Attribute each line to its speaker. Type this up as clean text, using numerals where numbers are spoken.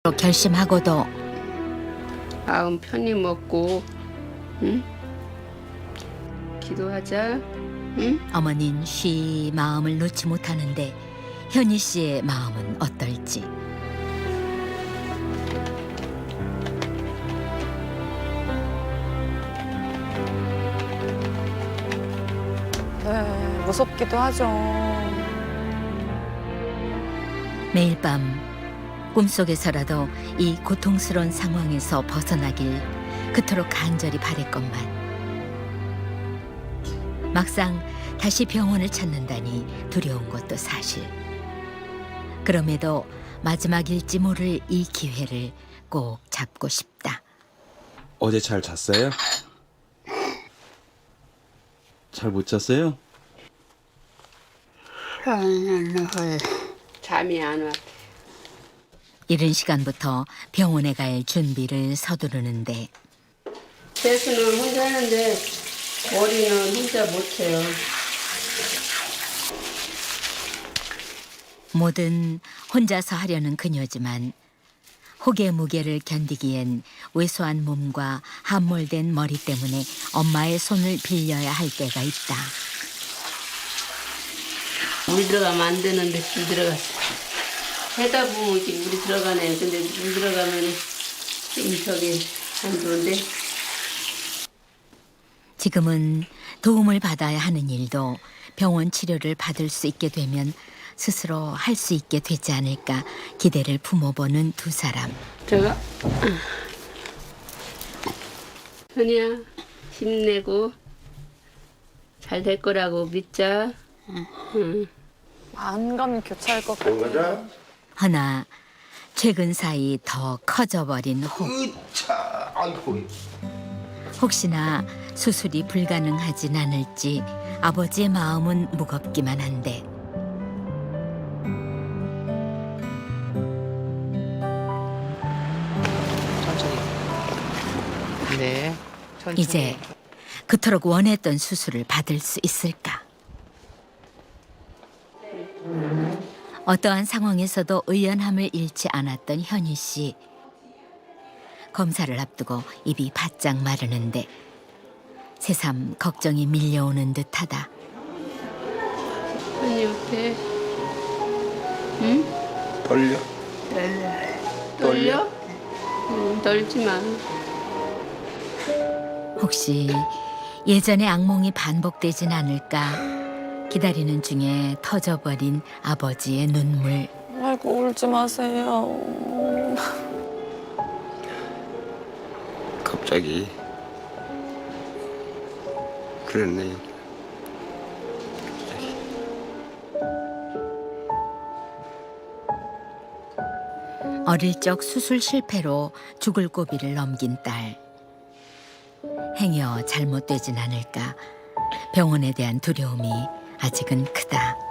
Speaker 1: 결심하고도
Speaker 2: 마음 편히 먹고, 응? 기도하자, 응?
Speaker 1: 어머니는 쉬 마음을 놓지 못하는데 현희 씨의 마음은 어떨지.
Speaker 3: 네, 무섭기도 하죠.
Speaker 1: 매일 밤 꿈속에서라도 이 고통스러운 상황에서 벗어나길 그토록 간절히 바랬건만 막상 다시 병원을 찾는다니 두려운 것도 사실. 그럼에도 마지막일지 모를 이 기회를 꼭 잡고 싶다.
Speaker 4: 어제 잘 잤어요? 잘 못 잤어요?
Speaker 2: 잠이 안 와.
Speaker 1: 이른 시간부터 병원에 갈 준비를 서두르는데
Speaker 2: 세수는 혼자 하는데 머리는 혼자 못해요.
Speaker 1: 뭐든 혼자서 하려는 그녀지만 혹의 무게를 견디기엔 왜소한 몸과 함몰된 머리 때문에 엄마의 손을 빌려야 할 때가 있다.
Speaker 2: 물 들어가면 안 되는데 물 들어갔어. 해다 보면 이렇게 물이 들어가네. 근데 물 들어가면 좀 저기 안 좋은데.
Speaker 1: 지금은 도움을 받아야 하는 일도 병원 치료를 받을 수 있게 되면 스스로 할 수 있게 되지 않을까 기대를 품어보는 두 사람.
Speaker 2: 들어가. 현이야, 힘내고 잘 될 거라고 믿자. 응.
Speaker 3: 안감이 교차할 것 같아요.
Speaker 1: 허나 최근 사이 더 커져버린 혹.
Speaker 5: 으차, 아이고.
Speaker 1: 혹시나 수술이 불가능하진 않을지 아버지의 마음은 무겁기만 한데
Speaker 6: 천천히. 네. 천천히.
Speaker 1: 이제 그토록 원했던 수술을 받을 수 있을까? 어떠한 상황에서도 의연함을 잃지 않았던 현희 씨. 검사를 앞두고 입이 바짝 마르는데 새삼 걱정이 밀려오는 듯하다.
Speaker 2: 현이 어때? 응?
Speaker 5: 떨려?
Speaker 2: 떨려? 응, 떨지 마.
Speaker 1: 혹시 예전의 악몽이 반복되진 않을까 기다리는 중에 터져버린 아버지의 눈물.
Speaker 3: 아이고, 울지 마세요.
Speaker 5: 갑자기 그랬네.
Speaker 1: 어릴 적 수술 실패로 죽을 고비를 넘긴 딸. 행여 잘못되진 않을까 병원에 대한 두려움이 아직은 크다.